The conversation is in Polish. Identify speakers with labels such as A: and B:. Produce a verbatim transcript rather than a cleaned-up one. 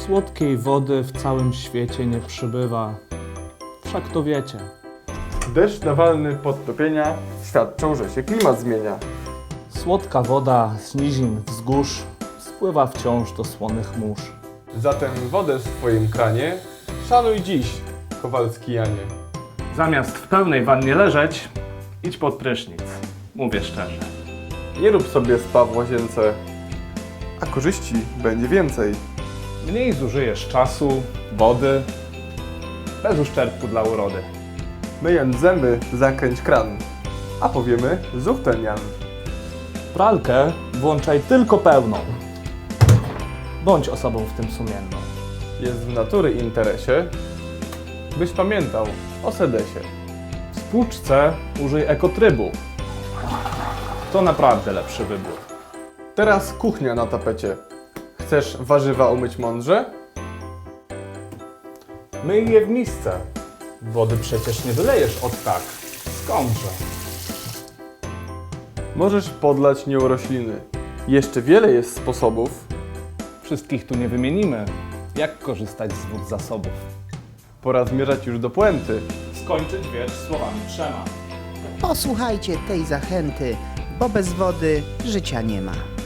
A: Słodkiej wody w całym świecie nie przybywa. Wszak to wiecie.
B: Deszcz nawalny podtopienia świadczą, że się klimat zmienia.
A: Słodka woda z nizin wzgórz spływa wciąż do słonych mórz.
B: Zatem wodę w swoim kranie szanuj dziś, Kowalski Janie.
A: Zamiast w pełnej wannie leżeć, idź pod prysznic. Mówię szczerze.
B: Nie rób sobie spa w łazience, a korzyści będzie więcej.
A: Mniej zużyjesz czasu, wody, bez uszczerbku dla urody.
B: Myjąc zęby, zakręć kran, a powiemy zuch ten Jan.
A: Pralkę włączaj tylko pełną. Bądź osobą w tym sumienną.
B: Jest w natury interesie, byś pamiętał o sedesie.
A: W spłuczce użyj ekotrybu. To naprawdę lepszy wybór.
B: Teraz kuchnia na tapecie. Chcesz warzywa umyć mądrze?
A: Myj je w misce. Wody przecież nie wylejesz od tak. Skądże?
B: Możesz podlać nią rośliny. Jeszcze wiele jest sposobów.
A: Wszystkich tu nie wymienimy. Jak korzystać z wód zasobów?
B: Pora zmierzać już do puenty.
A: Skończyć wiersz słowami trzema.
C: Posłuchajcie tej zachęty, bo bez wody życia nie ma.